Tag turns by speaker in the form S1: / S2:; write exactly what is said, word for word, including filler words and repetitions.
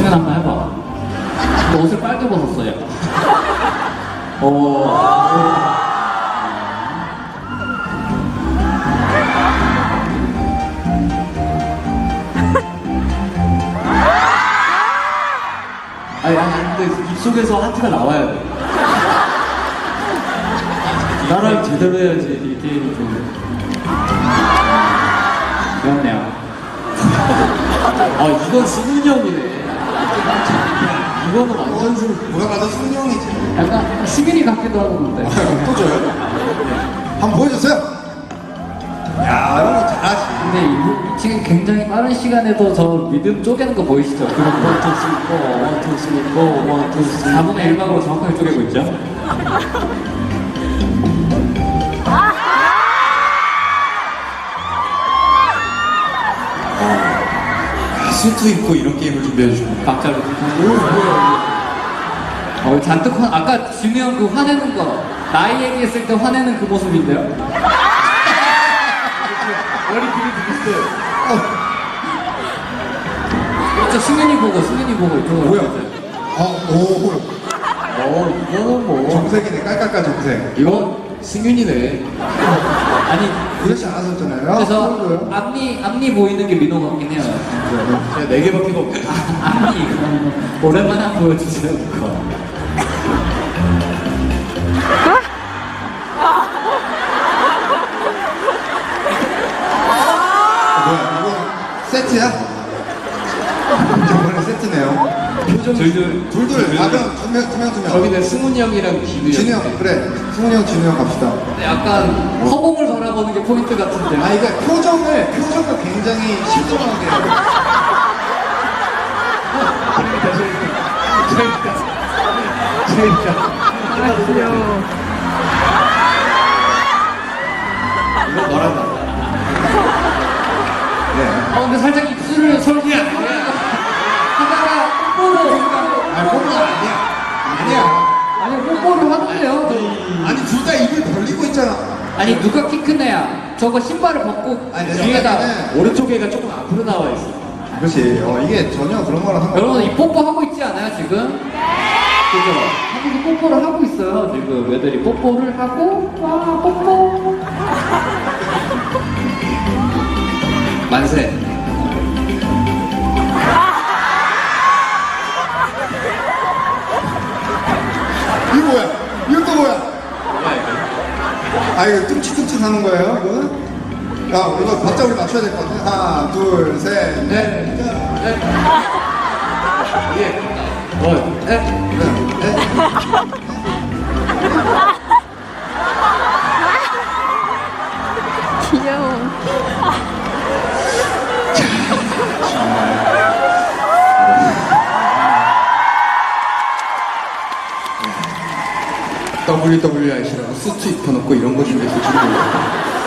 S1: 승현 한번 해봐. 너 옷을 빨개 벗었어, 야. 어.
S2: 아니, 아니, 근데 입속에서 하트가 나와야 돼. 나랑 제대로 해야지 이 게임이 좀.
S1: 귀엽네요.
S2: 아, 이건 승훈이 형이네. 이거는 완전 승훈.
S3: 뭐가 봐도 승훈이 형이지.
S1: 약간 시민이 같기도 하고 근데.
S3: 또 줘요? 한번 보여주세요. 야, 이런 거 잘하지.
S1: 근데 이, 지금 굉장히 빠른 시간에도 저 리듬 쪼개는 거 보이시죠? 그럼 원투 쓰고 원투 쓰고 원투 쓰고 사분의 일 방으로 정확하게 쪼개고 있죠?
S3: 아, 수트 입고 이런 게임을 준비해 주시고.
S1: 박자로. 어, 잔뜩 화, 아까 진우 형 그 화내는 거 나이 얘기했을 때 화내는 그 모습인데요?
S2: 머리 길이 비슷해요.
S1: 그렇죠, 승현이 보고 승현이 보고 이쪽으로.
S3: 뭐야? 아, 오.
S2: 어, 이거는 뭐.
S3: 정색이네, 깔깔깔 정색.
S2: 이건 승윤이네.
S1: 아니
S3: 그렇지 않았었잖아요.
S1: 그래서
S3: 그거요?
S1: 앞니 앞니 보이는 게 민호 같긴 해요.
S2: 제가 네 개밖에 없네.
S1: 앞니 그럼 오랜만에 한번 보여주세요 그거.
S3: 뭐야, 이거 세트야? 저번에 세트네요.
S2: 표정 둘둘
S3: 둘둘, 아, 그럼 두 명, 두 명, 두 명.
S2: 저기는 승훈이 형이랑 기누
S3: 진우 형, 그래. 승훈이 형, 진우 형 갑시다.
S1: 약간 허공을 바라보는 게 포인트 같은데.
S3: 아, 이거 표정을, 표정을 굉장히 신중하게.
S2: 이거 너란다.
S3: 네.
S1: 어 근데 살짝 입술을 설기 하다가 뽀뽀를
S3: 아, 뽀뽀 아니야. 아니야.
S1: 아니 뽀뽀를 하던데요.
S3: 아니, 둘 다 입을 벌리고 있잖아.
S1: 아니 누가 키 큰 애야? 저거 신발을 벗고
S3: 아니, 내
S1: 뒤에다.
S3: 생각에는
S2: 오른쪽 애가 조금 앞으로 나와 있어.
S3: 그렇지. 어, 이게 전혀 그런 거랑 상관없어.
S1: 여러분 이 뽀뽀 하고 있지 않아요 지금? 그죠? 한국이 뽀뽀를 하고 있어요 지금. 애들이 뽀뽀를 하고 와 뽀뽀.
S2: 만세.
S3: 이거 뭐야? 이거 또 뭐야?
S2: 뭐야 이거?
S3: 아, 이거 뚱치뚱치 하는 거예요, 이거? 야, 이거 박자 우리 맞춰야 될 것 같아. 하나, 둘, 셋, 넷.
S2: 넷. 예. 원. 넷.
S3: 넷, 넷.
S4: 귀여워.
S3: 더블유더블유아이시라고 수트 입혀놓고 이런 거 준비해서 주는 거예요.